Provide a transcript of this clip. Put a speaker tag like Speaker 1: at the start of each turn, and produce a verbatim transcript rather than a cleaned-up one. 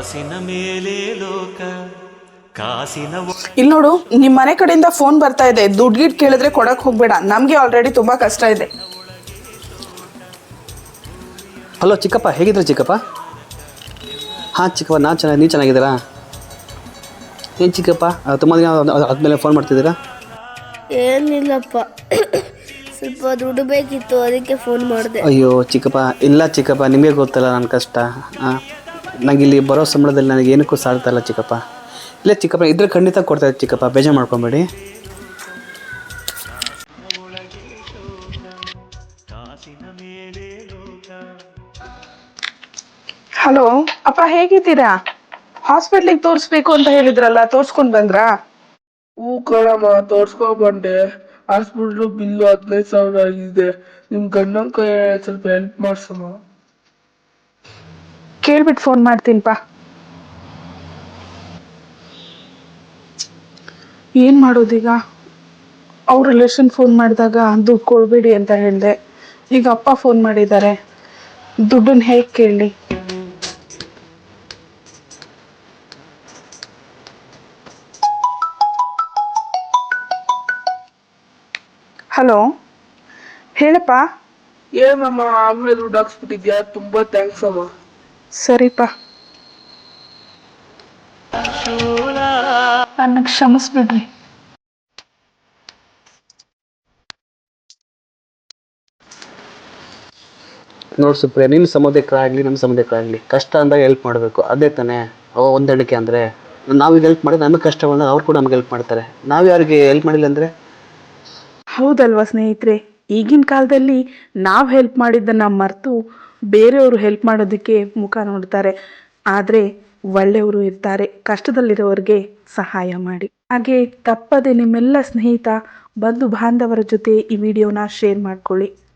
Speaker 1: ಕಾಸಿನ ಮೇಲೆ ಲೋಕ ಕಾಸಿನ
Speaker 2: ಇಲ್ಲಿ ನೋಡು, ನಿಮ್ಮ ಮನೆ ಕಡೆಯಿಂದ ಫೋನ್ ಬರ್ತಾ ಇದೆ. ದುಡ್ಡು ಗಿಡ್ ಕೇಳಿದ್ರೆ ಕೊಡಕ್ ಹೋಗ್ಬೇಡ, ನಮ್ಗೆ ಆಲ್ರೆಡಿ ತುಂಬಾ ಕಷ್ಟ ಇದೆ.
Speaker 3: ಹಲೋ ಚಿಕ್ಕಪ್ಪ, ಹೇಗಿದ್ರೆ ಚಿಕ್ಕಪ್ಪ? ಹಾಂ ಚಿಕ್ಕಪ್ಪ, ನಾನು ಚೆನ್ನಾಗಿ, ನೀವು ಚೆನ್ನಾಗಿದ್ದೀರಾ? ಏನು ಚಿಕ್ಕಪ್ಪ ತುಂಬ ದಿನ ಆದಮೇಲೆ ಫೋನ್ ಮಾಡ್ತಿದ್ದೀರಾ?
Speaker 4: ಏನಿಲ್ಲಪ್ಪ, ಸ್ವಲ್ಪ ದುಡ್ಡು ಬೇಕಿತ್ತು, ಅದಕ್ಕೆ ಫೋನ್ ಮಾಡಿದೆ.
Speaker 3: ಅಯ್ಯೋ ಚಿಕ್ಕಪ್ಪ, ಇಲ್ಲ ಚಿಕ್ಕಪ್ಪ, ನಿಮಗೆ ಗೊತ್ತಲ್ಲ ನನ್ನ ಕಷ್ಟ. ಹಾಂ, ನನಗೆ ಇಲ್ಲಿ ಬರೋ ಸಂಬಳದಲ್ಲಿ ನನಗೆ ಏನಕ್ಕೂ ಸಾಲ್ತಾ ಇಲ್ಲ ಚಿಕ್ಕಪ್ಪ. ಇಲ್ಲ ಚಿಕ್ಕಪ್ಪ, ಇದ್ರೆ ಖಂಡಿತ ಕೊಡ್ತಾಯಿದ್ದೆ ಚಿಕ್ಕಪ್ಪ, ಬೇಜಾರು ಮಾಡ್ಕೊಬೇಡಿ.
Speaker 2: ಹಲೋ ಅಪ್ಪ, ಹೇಗಿದ್ದೀರಾ? ಹಾಸ್ಪಿಟ್ಲಿಗೆ ತೋರಿಸ್ಬೇಕು ಅಂತ ಹೇಳಿದ್ರಲ್ಲ, ತೋರ್ಸ್ಕೊಂಡ್ ಬಂದ್ರಾ?
Speaker 5: ಹೂ ಕಣಮ್ಮ, ತೋರ್ಸ್ಕೊಂಡ್ ಬಂದೆ. ಹಾಸ್ಪಿಟ್ಲು ಬಿಲ್ಲು ಹದಿನೈದು ಸಾವಿರ ಆಗಿದೆ. ನಿಮ್ ಗಂಡನ ಕೈ ಸ್ವಲ್ಪ ಹೆಲ್ಪ್ ಮಾಡ್ಸಮ್ಮ.
Speaker 2: ಕೇಳ್ಬಿಟ್ಟು ಫೋನ್ ಮಾಡ್ತೀನಿಪ್ಪ. ಏನ್ ಮಾಡೋದೀಗ? ಅವ್ರ ರಿಲೇಷನ್ ಫೋನ್ ಮಾಡಿದಾಗ ದುಡ್ಡು ಕೊಡ್ಬೇಡಿ ಅಂತ ಹೇಳಿದೆ. ಈಗ ಅಪ್ಪ ಫೋನ್ ಮಾಡಿದ್ದಾರೆ, ದುಡ್ಡನ್ನ ಹೇಗೆ ಕೇಳಲಿ? ಹಲೋ ಹೇಳಪ್ಪ.
Speaker 5: ಏನಮ್ಮ, ಆಗ್ಲೇ ದುಡ್ಡು ಹಾಕ್ಸ್ಬಿಟ್ಟಿದ್ಯಾ? ತುಂಬಾ ಥ್ಯಾಂಕ್ಸ್ ಅಮ್ಮ.
Speaker 2: ಸರಿಪ್ಪ, ನನ್ನ ಕ್ಷಮಿಸ್ಬಿಡ್ರಿ.
Speaker 3: ನೋಡಿ ಸುಪ್ರಿಯ, ನಿಮ್ಮ ಸಮುದಾಯಕ್ಕಾಗಲಿ ನಮ್ಮ ಸಮುದಾಯಕ್ಕಾಗಲಿ ಕಷ್ಟ ಅಂದಾಗ ಹೆಲ್ಪ್ ಮಾಡಬೇಕು, ಅದೇ ತಾನೇ ಹೊಂದಾಣಿಕೆ ಅಂದರೆ. ನಾವೀಗ ಹೆಲ್ಪ್ ಮಾಡಿದ್ರೆ ನಮಗೆ ಕಷ್ಟ ಬಂದಾಗ ಅವ್ರು ಕೂಡ ನಮ್ಗೆ ಹೆಲ್ಪ್ ಮಾಡ್ತಾರೆ. ನಾವು ಯಾರಿಗೆ ಹೆಲ್ಪ್ ಮಾಡಿಲ್ಲ ಅಂದರೆ?
Speaker 2: ಹೌದಲ್ವಾ ಸ್ನೇಹಿತರೆ? ಈಗಿನ ಕಾಲದಲ್ಲಿ ನಾವು ಹೆಲ್ಪ್ ಮಾಡಿದ್ದನ್ನು ಮರೆತು ಬೇರೆಯವರು ಹೆಲ್ಪ್ ಮಾಡೋದಕ್ಕೆ ಮುಖ ನೋಡ್ತಾರೆ. ಆದರೆ ಒಳ್ಳೆಯವರು ಇರ್ತಾರೆ, ಕಷ್ಟದಲ್ಲಿರೋರಿಗೆ ಸಹಾಯ ಮಾಡಿ. ಹಾಗೆ ತಪ್ಪದೆ ನಿಮ್ಮೆಲ್ಲ ಸ್ನೇಹಿತ ಬಂಧು ಬಾಂಧವರ ಜೊತೆ ಈ ವಿಡಿಯೋನ ಶೇರ್ ಮಾಡ್ಕೊಳ್ಳಿ.